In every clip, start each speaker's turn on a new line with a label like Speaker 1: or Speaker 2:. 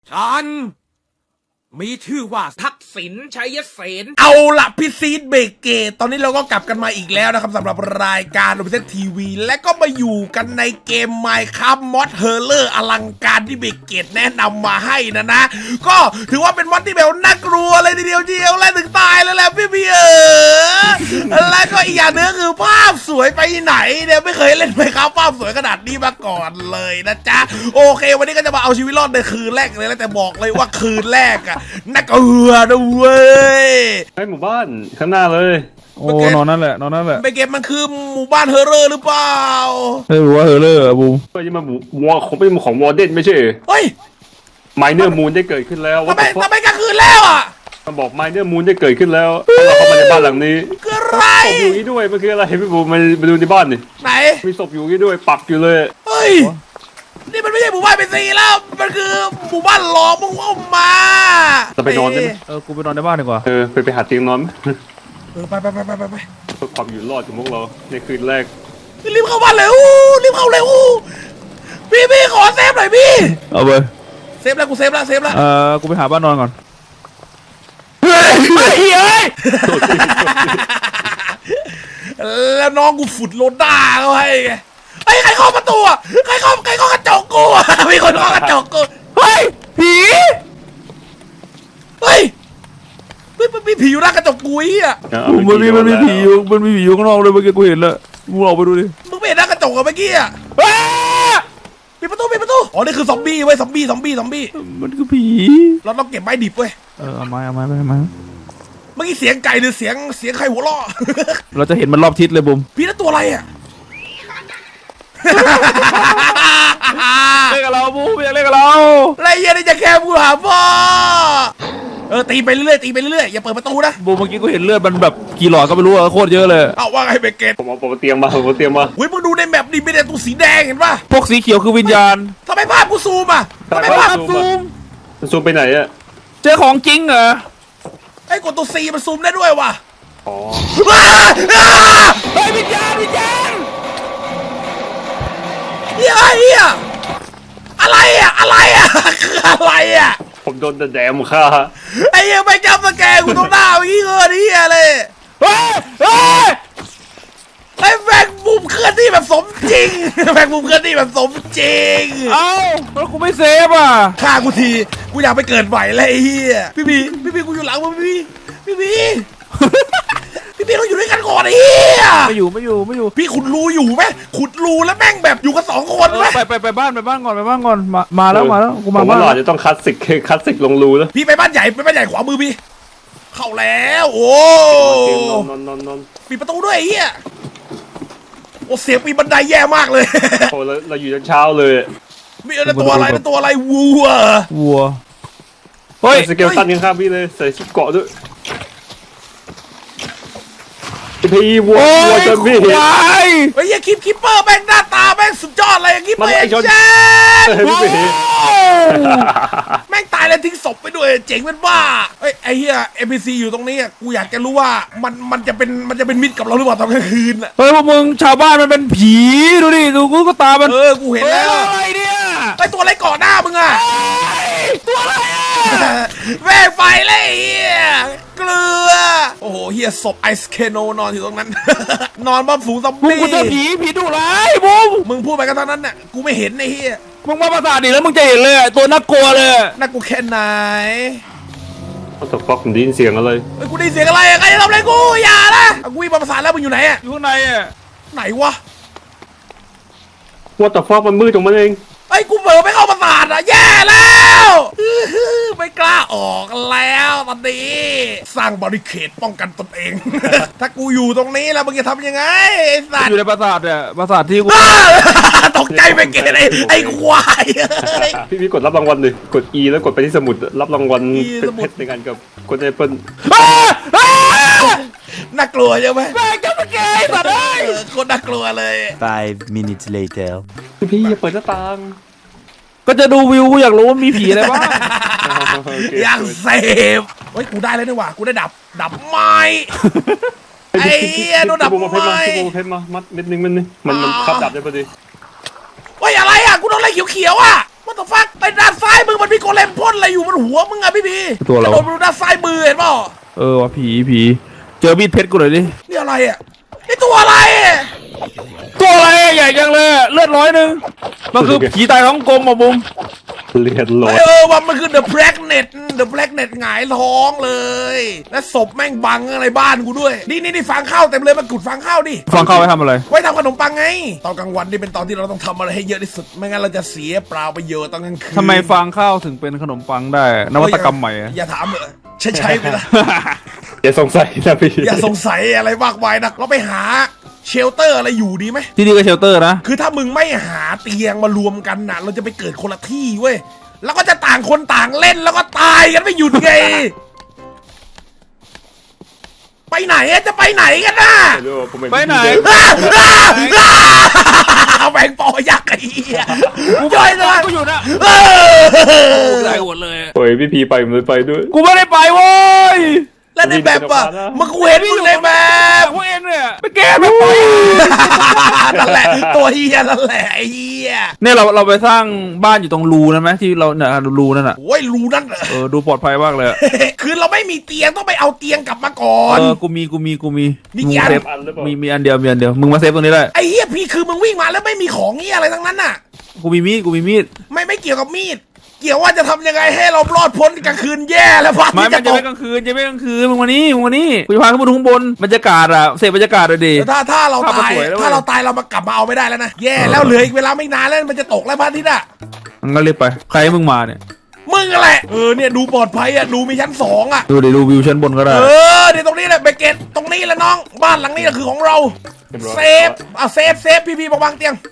Speaker 1: ฉันมีชื่อว่าทักษิณชัยเสน
Speaker 2: เอาละพี่ซีดเบเกตตอนนี้เราก็กลับกันมาอีกแล้วนะครับสำหรับรายการโรบินสันทีวีและก็มาอยู่กันในเกม Minecraft มอดเฮอร์เลอร์อลังการที่เบเกตแนะนำมาให้นะ ก็ถือว่าเป็นมอดที่แบบน่ากลัวเลยทีเดียวและถึงตายแล้วแหละพี่และก็อีกอย่างนึงคือภาพสวยไปไหนเนี่ยไม่เคยเล่นMinecraftภาพสวยขนาดนี้มาก่อนเลยนะจ๊ะโอเควันนี้ก็จะมาเอาชีวิตรอดในคืนแรกเลยแล้วแต่บอกเลยว่าคืนแรกอะน่ากลัวนะเว้ย
Speaker 3: ให้หมู่บ้านข้างหน้าเลย
Speaker 4: โอ้นอนนั่นแหละ
Speaker 2: ไปเก็บมันคือหมู่บ้านเฮอร์เรอร์หรือเปล่า
Speaker 4: เฮ้ยว่าเฮอร์เรอร์อะบูม
Speaker 3: เฮ้ยนี่มันวอของเป็นของวอร์เดนไม่ใช่
Speaker 2: เฮ้ย
Speaker 3: ไมเนอร์มูนได้เกิดขึ้นแล้ว
Speaker 2: ทำไมกลางคืนแล้วอ่ะ
Speaker 3: มันบอกไมเนอร์มูนได้เกิดขึ้นแล้วเราเข้ามาในบ้านหลังนี้
Speaker 2: คืออะไร
Speaker 3: ศพอยู่นี่ด้วยมันคืออะไรพี่บูมาดูในบ้านดิ
Speaker 2: ไหน
Speaker 3: มีศพอยู่นี่ด้วยปักอยู่เลย
Speaker 2: เฮ้ยนี่มันไม่ใช่หมู่บ้านเป็นซีแล้วมันคือหมู่บ้านหลอกมึงว่ามา
Speaker 3: จะไปนอนได้ไหม
Speaker 4: กูไปนอนในบ้านดีกว่า
Speaker 3: ไปหาเตียงนอน
Speaker 2: ไปเ
Speaker 3: พื่อความอยู่รอดของพวกเราในคืนแรก
Speaker 2: รีบเข้าบ้านเลยรีบเข้าเลยพี่ขอเซฟหน่อยพี่
Speaker 4: เอาไป
Speaker 2: เซฟแล้วกูเซฟแล้ว
Speaker 4: กูไปหาบ้านนอนก่อน
Speaker 2: เฮ้ยแล้วน้องกูฝุ่นโลด้าเขาให้ไงใครเข้าประตูอ่ะใครเข้ากระจกกูอ่ะมีคนเข้ากระจกกูเฮ้ยผีมันมีผีอยู่หน้ากระจกกูอ่ะ
Speaker 4: มันมีผีอยู่ข้างนอกเลยเมื่อกี้กูเห็นแล้วมึงออกไปดูดิ
Speaker 2: มึงไม่เห็นหน้ากระจกอ่ะเมื่อกี้อ่ะปิดประตูอ๋อนี่คือซอมบี้เว้ยซอมบี้
Speaker 4: มันคือผี
Speaker 2: เราต้องเก็บไม้ดิบเว้ย
Speaker 4: เอาไม้
Speaker 2: เมื่อกี้เสียงไก่หรือเสียงใครหัวเราะ
Speaker 4: เราจะเห็นมันรอบทิศเลยบุม
Speaker 2: พี่นั่นตัวอะไรอ่ะ
Speaker 4: เล่นกับเราบูมอยากเล่นกับเรา
Speaker 2: ไรเงี้ยนี่จะแค่กูหาพ่อตีไปเรื่อยอย่าเปิดประตูนะ
Speaker 4: บูมเมื่อกี้กูเห็นเลือดมันแบบกี่หลอดก็ไม่รู้อะโคตรเยอะเลย
Speaker 2: เอาว่าไงเบเกต
Speaker 3: ผมเอาเตียงมาเ
Speaker 2: ฮ้ยมึงดูในแมปดิมีแต่ตัวสีแดงเห็นป่ะ
Speaker 4: พวกสีเขียวคือวิญญาณ
Speaker 2: ทำไมภาพกูซูมอ่ะทำไมภาพ
Speaker 3: ซูมไปไหนอะ
Speaker 4: เจอของจริงเหรอ
Speaker 2: ไอ้กดตัวซีมันซูมได้ด้วยว่ะ
Speaker 3: อ๋อ
Speaker 2: เฮ้ยวิญญาณเฮียอะไรอ่ะคืออะไรอ่ะ
Speaker 3: ผมโดนแดมฆ่า
Speaker 2: ไอ้ยังไม่จำสแกนกูต้องหน้าเมื่อกี้เฮียเลยไอ้แบงมุมเคลื่อนที่แบบสมจริง
Speaker 4: เอ้าแล้วกูไม่เซฟอ่ะ
Speaker 2: ฆ่ากูทีกูอยากไปเกิดใหม่เลยไอ้เฮียพี่บีกูอยู่หลังมึงพี่บีเราอยู่ด้วยกันก่อนไอ้เหี้ย
Speaker 4: ไม่อยู่
Speaker 2: พี่ขุดรูอยู่ไหมขุดรูแล้วแม่งแบบอยู่กัน2 คนไหม
Speaker 4: ไปบ้านก่อนมาแล้วกูมาบ้าน
Speaker 3: หล่อจะต้องคัสสิกลงรูแล้ว
Speaker 2: พี่ไปบ้านใหญ่ขวามือพี่เข้าแล้วโอ้
Speaker 3: นอน
Speaker 2: ปิดประตูด้วยไอ้เหี้ยโอ้เสียงปีนบันไดแย่มากเลย
Speaker 3: โอ้เราอยู่จนเช้าเลย
Speaker 2: มีตัวอะไรวัว
Speaker 4: เฮ้ย
Speaker 3: สเกลตันข้างพี่เลยใส่ชุดเกาะด้วยพี่วัวจนพี่
Speaker 2: ไอ้ยังคิปเปอร์แม่งหน้าตาแม่งสุดยอดเลยคิปเปอร์เจ๊แม่งตายแล้วทิ้งศพไปด้วยเจ๋งเป็นบ้าไอ้เหี้ย NPC อยู่ตรงนี้กูอยากจะรู้ว่ามันจะเป็นมิตรกับเราหรือเปล่าตอนกลางคืนอ่ะ
Speaker 4: เฮ้ยพวกมึงชาวบ้านมันเป็นผีดูดิดูกูก็ตามัน
Speaker 2: กูเห็นแล้ว
Speaker 4: อะไรเนี่ย
Speaker 2: ไอ้ตัวอะไรก่อหน้ามึงอ่ะ
Speaker 4: ตัวอะไรอ่ะ
Speaker 2: แม่งไปเลยเหี้ยเกลือโอ้โหเฮียศพไอสเคโนนอนอยู่ตรงนั้นนอนบ้าฝูงซอมบี้
Speaker 4: กูเจอผีดุร้ายบูม
Speaker 2: มึงพูดไปกันเท่านั้นน่ะกูไม่เห็นไอ้เฮีย
Speaker 4: มึงมาประสาทดิแล้วมึงจะเห็นเลยตัวน่ากลัวเลย
Speaker 2: น่ากลัวแค่ไหน
Speaker 3: เขาตกฟอกผมได้ยินเสียงอะไร
Speaker 2: กูได้ยินเสียงอะไรใครทำอะไรกูอย่านะกูวิ่งมาประสานแล้วมึงอยู่ไหนอ่ะ
Speaker 4: อยู่ข้างในอ่ะ
Speaker 2: ไหนวะ
Speaker 3: ว่าแต่ฟอกมันมืดตรงมันเอง
Speaker 2: ไอ้กูเผลอไม่เข้าประสาทอ่ะแย่แล้วไม่กล้าออกแล้วตอนนี้สร้างบาริเคดป้องกันตนเองถ้ากูอยู่ตรงนี้แล้วมึงจะทำยังไงไอ้สัตว์
Speaker 4: อยู่ในปราสาทเนี่ยปราสาทที่กู
Speaker 2: ตกใจไปเกตไอ้ควาย
Speaker 3: พี่กดรับรางวัลเลยกด E แล้วกดไปที่สมุดรับรางวัลเป็นเพชรในการกับกดแอปเปิล
Speaker 2: น่ากลัวใช่ไหม
Speaker 4: แม่งจะมาเกยสัตว์เลย
Speaker 2: คนน่ากลัวเลย
Speaker 5: 5 minutes later
Speaker 3: พี่อย่าเปิดหน้าต่าง
Speaker 4: ก็จะดูวิวกูอยากรู้ว่ามีผีอะไรบ้าง
Speaker 2: อยากเสพเฮ้ยกูได้แล้วนี่หว่ากูได้ดับไม้ไอ้โดนดับไม้
Speaker 3: เพชรมามัดเม็ดนึงมันขับดับได้พอดี
Speaker 2: เฮ้ยอะไรอ่ะกูโดนอะไรเขียวๆอ่ะ What the fuck ไปด้านซ้ายมึงมันมีโกเลมพ่นอะไรอยู่บนหัวมึงอะพี่พี
Speaker 4: ตัวเรา
Speaker 2: โดนไปดูด้านซ้ายมือเห็นเปล่า
Speaker 4: ว่ะผีเจอมีดเพชรกูหน่อยดิ
Speaker 2: นี่อะไรอะนี่ตัวอะไรอะ
Speaker 4: ตัวอะไรใหญ่จังเลยเลือด100มันคือผีตายท้องกลมอ่ะบุ้ม
Speaker 3: เลือดลอย
Speaker 2: ว่ามันคือ The Blacknet หงายท้องเลยและศพแม่งบังอะไรบ้านกูด้วยนี่ฟางข้าวเต็มเลยมากุดฟางข้าวดิ
Speaker 4: ฟังเข้าไปทำอะไร
Speaker 2: ไว้ทำขนมปังไงตอนกลางวันนี่เป็นตอนที่เราต้องทำอะไรให้เยอะที่สุดไม่งั้นเราจะเสียเปล่าประโยชน์ตอนกลางคืน
Speaker 4: ทำไมฟางข้าวถึงเป็นขนมปังได้นวัตกรรมใหม่อะ
Speaker 2: อย่าถามเลยใช่ไปละ
Speaker 3: อย่าสงสัยนะพี่
Speaker 2: อย่าสงสัยอะไรมากมายนะเราไปหาเชลเตอร์อะไรอยู่ดีไหม
Speaker 4: ที่นี่ก็เชลเตอร์นะ
Speaker 2: คือถ้ามึงไม่หาเตียงมารวมกันนะเราจะไปเกิดคนละที่เว้ยแล้วก็จะต่างคนต่างเล่นแล้วก็ตายกันไม่หยุดไงไปไหนอะจะไปไหนกันน่ะ
Speaker 3: ไม่รู้ว่าผม
Speaker 4: ไปไหน
Speaker 2: แบงปอยักษ์ไอ้เหี้ยย่อยเลย
Speaker 4: กูอยู่นะได้หมดเลย
Speaker 3: โอ้ยพี่พีไปผมเลยไปด้วย
Speaker 4: กูไม่ได้ไปโว้ย
Speaker 2: แล้วในแบบอะมึงกูเห็นมึงในแบบ
Speaker 4: พวกเอ็นเนี่ยไปแก้แบบไป
Speaker 2: นั่นแหละตัวเฮียนั่นแหละไอ้เฮีย
Speaker 4: เนี่ยเราไปสร้างบ้านอยู่ตรงรูนั่นไหมที่เราเนี่ยรูนั่นอ่ะ
Speaker 2: โอ้ยรู้นั่นเหรอ
Speaker 4: ดูปลอดภัยมากเลย
Speaker 2: คือเราไม่มีเตียงต้องไปเอาเตียงกลับมาก่อน
Speaker 4: กูมี
Speaker 2: นี่
Speaker 4: มึง
Speaker 2: กี่อัน
Speaker 4: เซฟมีอันเดียวมึงมาเซฟตรงนี้ได้
Speaker 2: ไอ้เฮียพี่คือมึงวิ่งมาแล้วไม่มีของเฮียอะไรทั้งนั้นน่ะ
Speaker 4: กูมีมีด
Speaker 2: ไม่เกี่ยวกับมีดเกี่ยวว่าจะทำยังไงให้เรารอดพ้นกลางคืนแย่แล้วพระ
Speaker 4: ไม่
Speaker 2: ที่
Speaker 4: มัน
Speaker 2: จะ
Speaker 4: จะ
Speaker 2: ต
Speaker 4: ไม่
Speaker 2: ก
Speaker 4: กลางคืนมึงมานี่กูจะพาขึ้นไปดูข้างบนบรรยากาศอะเสพบรรยากาศเลยดิ
Speaker 2: ถ้าเรา
Speaker 4: ภาพมัน
Speaker 2: ตาย
Speaker 4: สวยแล้ว
Speaker 2: ถ้าเราตายเรามากลับมาเอาไม่ได้แล้วนะแย่แล้วเหลืออีกเวลาไม่นานแล้วมันจะตกแล้วพระอาทิตย์อะ
Speaker 4: มันก็รีบไปใครให้มึงมาเนี่ย
Speaker 2: มึงอะไรเนี่ยดูปลอดภัยอะดูมีชั้น2อะ
Speaker 4: ดูวิวชั้นบนก็ได้
Speaker 2: เดี๋ยวตรงนี้แหละเบเกตตรงนี้แหละน้องบ้านหลังนี้แหละคือของเราเซฟเซฟพี่บอกวางเตียง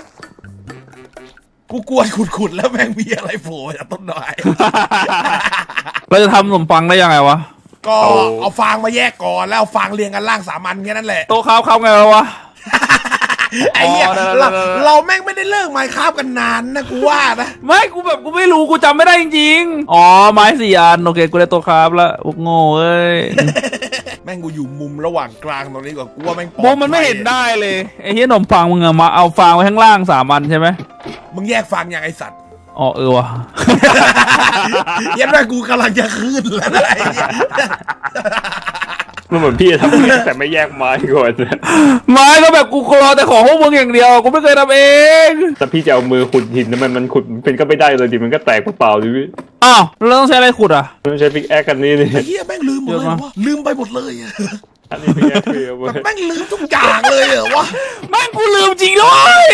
Speaker 2: กูกลัวขุดแล้วแม่งมีอะไรโผล่จากต้นไม้
Speaker 4: เราจะทำขนมปังได้ยังไงวะ
Speaker 2: ก็เอาฟางมาแยกก่อนแล้วเอาฟางเรียงกันล่าง3 อันแค่นั้นแหละ
Speaker 4: โต๊ะข้าวไงวะ
Speaker 2: ไอ้เหี้ย
Speaker 4: ได้
Speaker 2: เราแม่งไม่ได้เลิกไมค์คราฟกันนานนะกูว่านะ
Speaker 4: ไม่กูไม่รู้กูจำไม่ได้จริงๆไม้4 อันโอเคกูได้โต๊ะข้าวแล้วโง่เอ้ย
Speaker 2: แม่งกูอยู่มุมระหว่างกลางตรงนี้กว่ากูว่าแม่งปลอด
Speaker 4: โมมันไม่เห็นได้เลยไอ้เหี้ยขนมปังมึงอะมาเอาฟางไว้ข้างล่าง3 อันใช่ไหม
Speaker 2: มึงแยกฟางอย่างไอสัตว์
Speaker 4: ว่ะ
Speaker 2: ยันแม่กูกำลังจะขึ้นแล้วนะไอ้เหี้ย
Speaker 3: มันเหมือนพี่ทำแต่ไม่แยกไม้ก่อน
Speaker 4: ไม้ก็แบบกูรอแต่ของพวกมึงอย่างเดียวกูไม่เคยทำเอง
Speaker 3: แต่พี่จะเอามือขุดหินมันขุดเป็นก็ไม่ได้เลยดิมันก็แตกเปล่าๆดิพี่
Speaker 4: อ้าวแล้วต้องใช้อะไรขุดอ่ะ
Speaker 3: ต้องใช้พิกแอคกันนี่
Speaker 2: ไอ้เหี้ยแม่งลืมหมดเลยวะลืมไปหมดเลยอะ
Speaker 3: อันนี้พิกแอคคือ
Speaker 2: แบบแม่งลืมทุกอย่างเลยเหรอวะ
Speaker 4: แม่งกูลืมจริงด้วย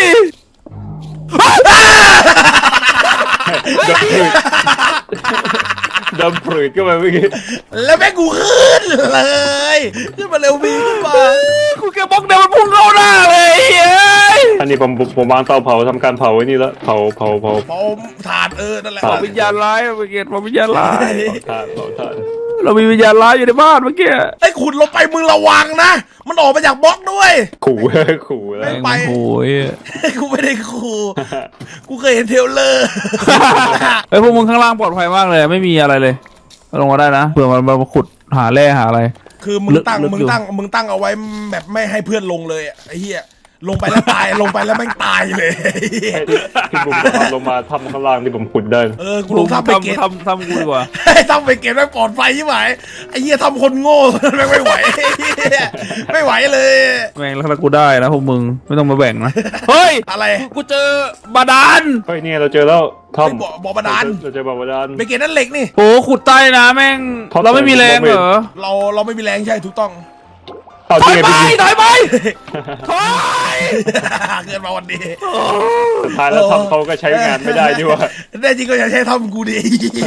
Speaker 3: ดำปลืดก็มาเมื่อกี้
Speaker 2: แล้วแม่งกูขึ้นเลยขึ้นมาเร็ววีขึ้นมา
Speaker 4: กูแค่บล็อกเดียวมันพุ่งเข้าหน้าเลยเฮ้ย
Speaker 3: อันนี้ผมวางเตาเผาทำการเผาไว้นี่แล้วเผา
Speaker 2: เผาถ่านนั่นแหละ
Speaker 3: เผา
Speaker 4: วิญญาณร้ายเมื่อกี้วิญญาณร้าย
Speaker 3: เผาถ่าน
Speaker 4: เรามีวิญญาณร้ายอยู่ในบ้านเมื่อกี้
Speaker 2: ไอ้ขุดลงไปมึงระวังนะมันออกมาจากบล็อกด้วย
Speaker 3: ขู่แล้ว
Speaker 2: ไป
Speaker 4: โอ้ย
Speaker 2: กูไม่ได้ขู่กูเคยเห็นเทรลเลอร์
Speaker 4: ไอ้พวกมึงข้างล่างปลอดภัยมากเลยไม่มีอะไรเลยลงมาได้นะเผื่อมันมาขุดหาแร่หาอะไร
Speaker 2: คือมึงตั้ง
Speaker 4: ลึก
Speaker 2: มึง
Speaker 4: อยู่
Speaker 2: ตั้งเอาไว้แบบไม่ให้เพื่อนลงเลยอะไอ้เหี้ยลงไปแล้วตาย ลงไปแล้วแม่งตายเลยไอ้เหี้ย
Speaker 3: ที่ผมลงมาทำข้างล่างที่ผมขุดได้
Speaker 2: กูลงทำไปเก็บ
Speaker 4: ทำกูดีกว่า
Speaker 2: ทำไปเก็บแม่งปลอดภัยใช่ไหมไอ้เหี้ยทำคนโง่แม่งไม่ไหวไอ้เหี้ยไม่ไหวเลย
Speaker 4: แม่งแล้วถ้ากูได้นะพวกมึงไม่ต้องมาแบ่งนะเฮ้ย
Speaker 2: อะไร
Speaker 4: กูเจอบาดาล
Speaker 3: เฮ้ยเนี่ยเราเจอแล้วทอม
Speaker 2: บ่อบาดาล
Speaker 3: เราเจอบ่อบาดาล
Speaker 2: ไปเก็บนั่นเหล็กนี่
Speaker 4: โอ้ขุดใต้นะแม่ง
Speaker 3: ท็อป
Speaker 4: เราไม่มีแรงเหรอ
Speaker 2: เราไม่มีแรงใช่ถูกต้อง
Speaker 3: เอา
Speaker 4: ถ
Speaker 3: ที่
Speaker 4: อย
Speaker 3: ไง
Speaker 4: ไป
Speaker 3: พี่
Speaker 4: ถอยไปถอย
Speaker 2: เกินมาวันนี้
Speaker 3: สุดท้ายแล้วทอมเขาก็ใช้งานไม่ได้ด้วย
Speaker 2: ได้จริงก็อย่าใช้ทำกูดิ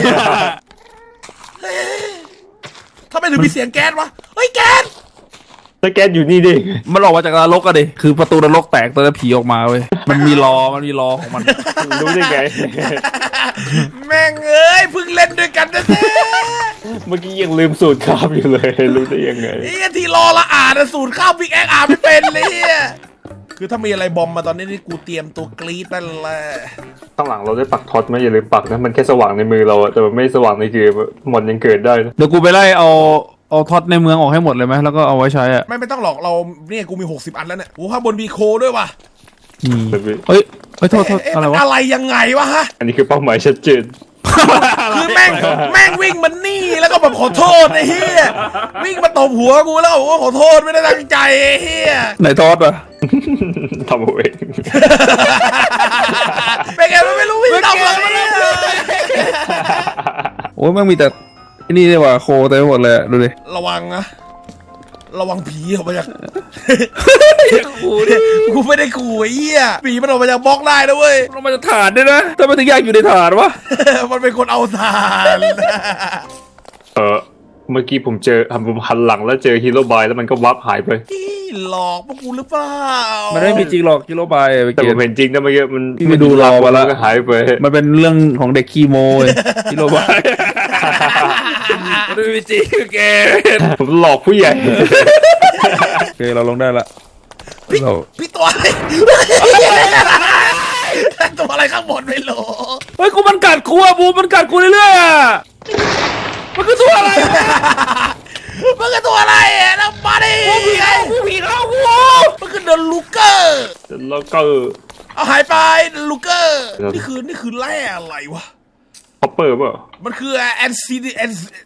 Speaker 2: ทำไมถึงมีเสียงแก๊สวะเฮ้ยแก๊ส
Speaker 3: แล้วแก๊สอยู่นี่ดิ
Speaker 4: มันออกมาจากนรกอะดิคือประตูนรกแตกตอนผีออกมาเว้ยมันมีล้อของมัน
Speaker 3: รู้ได้ไง
Speaker 2: แม่งเอ้ยเพิ่งเล่นด้วยกันนะเนี่ย
Speaker 3: เมื่อกี้ยังลืมสูตรคาบอยู่เลยรู้ได้ยังไง
Speaker 2: ไอ้ที่รอละอ่านนะสูตรข้าวพิกแอคอ่านไม่เป็นเลยเนี่ยคือถ้ามีอะไรบอมมาตอนนี้นี่กูเตรียมตัวกรี๊ดนั่นแหละ
Speaker 3: ข้างหลังเราได้ปักท็อตไหมอย่าลืมปักนะมันแค่สว่างในมือเราอะแต่มันไม่สว่างในเกมอะมอนยังเกิดได้นะ
Speaker 4: เดี๋ยวกูไปไล่เอาท็อตในเมืองออกให้หมดเลยไหมแล้วก็เอาไว้ใช้อะ
Speaker 2: ไม่ต้องหรอกเราเนี่ยกูมี60 อันแล้วเนี่ยโอ้ข้างบนมีโคด้วยว่ะ
Speaker 4: เฮ้ยโทษ
Speaker 2: เอ๊ะ
Speaker 4: อะไร
Speaker 2: มัน
Speaker 4: วะ
Speaker 2: อะไรยังไงวะฮะ
Speaker 3: อันนี้คือเป้าหมายชัดเจน
Speaker 2: คือแม่งวิ่งมันนี่แล้วก็แบบขอโทษไอ้เหี้ยวิ่งมาตบหัวกูแล้วก็บอกว่าขอโทษไม่ได้ตั้งใจไอ้เหี้ย
Speaker 4: ไหนทอดวะ
Speaker 3: ทำเอาเอง
Speaker 2: เป็นไงมันไม่รู้วิ่งตบหลังมันเลย
Speaker 4: โอ้ยมันมีแต่ไอ้นี่เลยว่ะโคเต็มไปหมดเลยดูดิ
Speaker 2: ระวังนะระวังผีออกมาจาก
Speaker 4: กูดิ
Speaker 2: กูไม่ได้ขู่ไอ้เหี้ยผีมันออกมาจากบล็อกได้นะเว้ย
Speaker 4: เรามาจะฐานด้วยนะทำไมถึงอยากอยู่ในฐานวะ
Speaker 2: มันเป็นคนเอาทาน
Speaker 3: เมื่อกี้ผมหันหลังแล้วเจอฮีโร่บายแล้วมันก็วับหายไป
Speaker 2: พี่หลอกพวกกูหรือเปล่า
Speaker 4: มันไม่มีจริงหรอกกิโลบายไป
Speaker 3: แต่
Speaker 4: เก
Speaker 3: ผ
Speaker 4: ต
Speaker 3: มเห็นจริงนะเมื่อกี้มัน
Speaker 4: พี่ไปดูรอมาแล้ว
Speaker 3: ก็หายไป
Speaker 4: มันเป็นเรื่องของเด็กคีโมเลยกิโลบายมันไม่มีจริงเกต
Speaker 3: ผมหลอกผู้ใหญ่
Speaker 4: โอเคเราลงได้ละ
Speaker 2: พี่
Speaker 4: เรา
Speaker 2: พี่ตัวอะไร ตัวอะไรข้างบนไม่รู้
Speaker 4: เฮ้ยกูมันกัดกูอะบูมมันกัดกูเรื่อยๆอะมันคือตัวอะไรอะ
Speaker 2: มันคือตัวอะไรอ่ะน้ำมาดิ
Speaker 4: กูผีเข้ากู
Speaker 2: มันคือเดอะลูเกอร์
Speaker 3: แล้วก็
Speaker 2: เอาหายไปเดอะลูเกอร์
Speaker 3: ครับ
Speaker 2: นี่คือแร่อะไรวะ
Speaker 3: คอปเปอร์เปล่า
Speaker 2: มันคือแอนซีดีแอน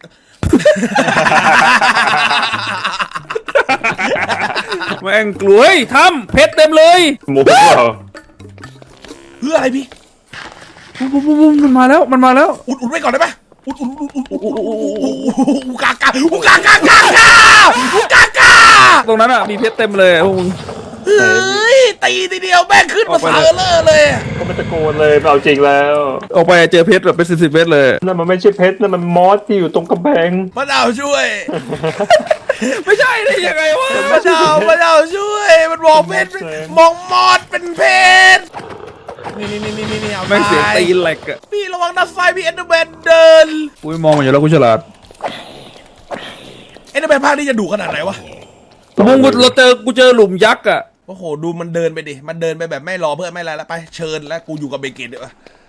Speaker 4: แม่งกลัวเฮ้ยทำเพชรเต็มเลย
Speaker 3: โมเปล่า
Speaker 2: เพื่ออะไรพี่
Speaker 4: บูมมันมาแล้วมันมาแล้ว
Speaker 2: อุ่นไว้ก่อนได้ไหมอุ่นอูกากาอูกากากากาอูกากา
Speaker 4: ตรงนั้นอ่ะมีเพชรเต็มเลยพวกมึง
Speaker 2: เฮ้ยตีทีเดียวแม่งขึ้นมาสาเลอร์เลย
Speaker 3: ก็ไม่ตะโกนเลยไม่เอาจริงแล้ว
Speaker 4: ออกไปเจอเพชรแบบเป็น10 เพชรเลย
Speaker 3: นั่นมันไม่ใช่เพชรนั่นมันมอสที่อยู่ตรงกำแพง
Speaker 2: มะนาวช่วย
Speaker 4: ไม่ใช่ได้ยังไงวะ
Speaker 2: มะนาวช่วย มันมองเพชรมองมอดเป็นเพชรนี่เอา
Speaker 4: แม่งเสียงตีแหลกอ่ะ
Speaker 2: พี่ระวังด้านซ้ายมีเอ็นเดอร์แมนเดิน
Speaker 4: กูไม่มองมันอยู่แล้วกูฉลาด
Speaker 2: เอ็นเดอร์แมนภาคนี้จะดุขนาดไหนวะ
Speaker 4: มึงกูเจอหลุมยักษ์อ่ะ
Speaker 2: โอ้โหดูมันเดินไปดิมันเดินไปแบบไม่รอเพื่อนไม่อะไรแล้วไปเชิญแล้วกูอยู่กับเบเกตเดี๋ยว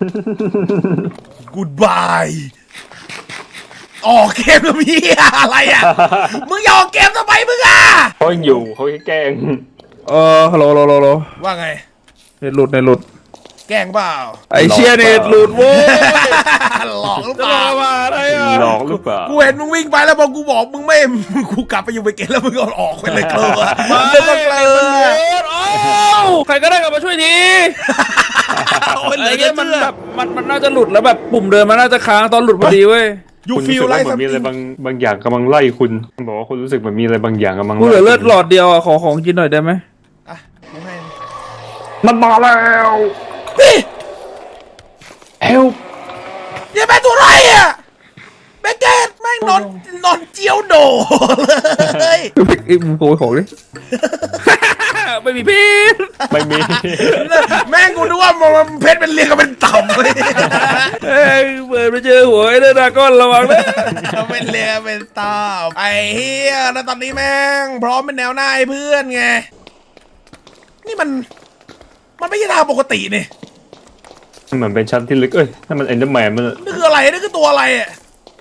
Speaker 2: Goodbye ออกเกมแล้วพี่อะไรอ่ะ มึงอย่าออกเกมทำไมมึงอ่ะ
Speaker 3: เขายังอยู่เขาแค่แกล้ง
Speaker 4: ฮัลโหล
Speaker 2: ว่าไง
Speaker 4: เน็ตหลุด
Speaker 2: แกล้งเปล่า
Speaker 4: ไอเชียเน็ตหลุดโว้ย
Speaker 2: หลอกหรือ
Speaker 4: จะ
Speaker 2: เป
Speaker 4: รอ
Speaker 2: ล่า
Speaker 4: มาอะไรอ่ะ
Speaker 3: หลอกหรือเปล่า
Speaker 2: กูเห็นมึงวิ่งไปแล้วพอกูบอกมึงไม่กูกลับไปอยู่เบเกตแล้วมึงก็ออกไปเลยเกลือ
Speaker 4: มา
Speaker 2: เดินก็เกลือ
Speaker 4: ใครก็ได้กลับมาช่วยที
Speaker 2: โอ้ยเหลื
Speaker 4: ไอ้
Speaker 2: อ
Speaker 4: เงี้
Speaker 2: เย
Speaker 4: ยมัน
Speaker 2: อะ
Speaker 4: แบบมันน่าจะหลุดแล้วแบบปุ่มเดินมันน่าจะค้างตอนหลุดพอดีเว้ย
Speaker 2: ยู
Speaker 3: คุณ
Speaker 2: ฟิ
Speaker 3: รู้
Speaker 2: ล
Speaker 3: สึก
Speaker 2: ไล
Speaker 3: ว่า
Speaker 2: ท์
Speaker 3: เหมือนมีอะไรบางอย่างกำลังไล่คุณบอกว่าคุณรู้สึกเหมือนมีอะไรบางอย่างกำลัง
Speaker 4: กูเหลือเลือดหล
Speaker 3: อ
Speaker 4: อดเดียวอ่ะขอของกินหน่อยได้ไหม
Speaker 2: อ่ะกูให้
Speaker 3: มันมาแล้ว
Speaker 2: พี่
Speaker 3: เฮล
Speaker 2: อย่าเป็นตัวไรอ่ะเบเกตแม่งนอนเจียวโดเลย
Speaker 4: ไอ้มึงโกยของดิ ไม่มีพิษ
Speaker 3: ไม่มี
Speaker 2: แม่งกูนึกว่ามันเพชรเป็นเรียงกันเป็นต่ำเลย
Speaker 4: เอ้ยเปิดไปเจอหัวไอ้เดนดาก้อนระวังนะ
Speaker 2: เป็นเรียงกันเป็นต่ำไอ้เฮียแล้วตอนนี้แม่งพร้อมเป็นแนวหน้าให้เพื่อนไงนี่มันไม่ใช่ทางปกตินี่
Speaker 3: เหมือนเป็นชั้นที่ลึกนั่นมันเอ็นเดอร์แมนมัน
Speaker 2: นี่คืออะไรนี่คือตัวอะไรอ่ะ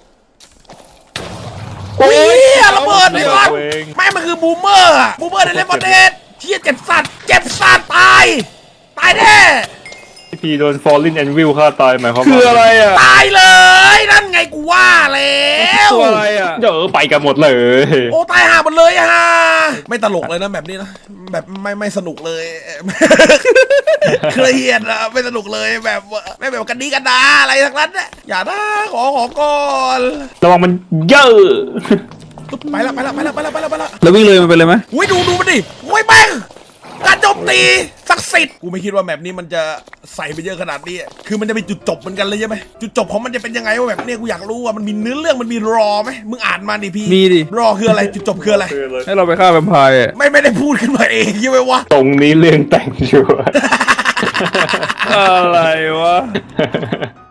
Speaker 2: โอ้ยระเบิดเลยมันแม่งมันคือบูมเมอร์อะบูมเมอร์ในเลฟเวอร์เดดเชี่ยเจ็บสัตว์ตายแน่
Speaker 3: พี่โดนฟอลลินแอนวิลฆ่าตายหมายความ
Speaker 4: คืออะไรอ่ะ
Speaker 2: ตายเลยนั่นไงกูว่าแล้ว
Speaker 4: ตัวอะไรอ่ะ
Speaker 3: เดี๋ยวไปกันหมดเลย
Speaker 2: โอ้ตายห่าหมดเลยอะฮะไม่ตลกเลยนะแบบนี้นะแบบไม่สนุกเลย เครียดอะไม่สนุกเลยแบบไม่แบบกันดีกันดาอะไรทั้งนั้นเนี่ยอย่านะขอก่อน
Speaker 3: ระวังมันเยอะ
Speaker 2: ไปละ
Speaker 4: แล้ววิ่งเลยมันไปเลยไหม
Speaker 2: อุ้ยดูมันดิอุ้ยแม่งการโจมตีศักดิ์สิทธิ์กูไม่คิดว่าแบบนี้มันจะใส่ไปเยอะขนาดนี้คือมันจะเป็นจุดจบเหมือนกันเลยใช่ไหมจุดจบของมันจะเป็นยังไงวะแบบเนี้ยกูอยากรู้ว่ามันมีเนื้อเรื่องมันมีรอไหมมึงอ่านมาดิพี่
Speaker 4: มีดิ
Speaker 2: รอคืออะไรจุดจบคืออะไร
Speaker 4: ให้เราไปฆ่าแวมไพร์อะ
Speaker 2: ไม่ได้พูดขึ้นมาเองใช่ไหมวะ
Speaker 3: ตรงนี้เรื่องแต่งชัวร์
Speaker 4: อะไรวะ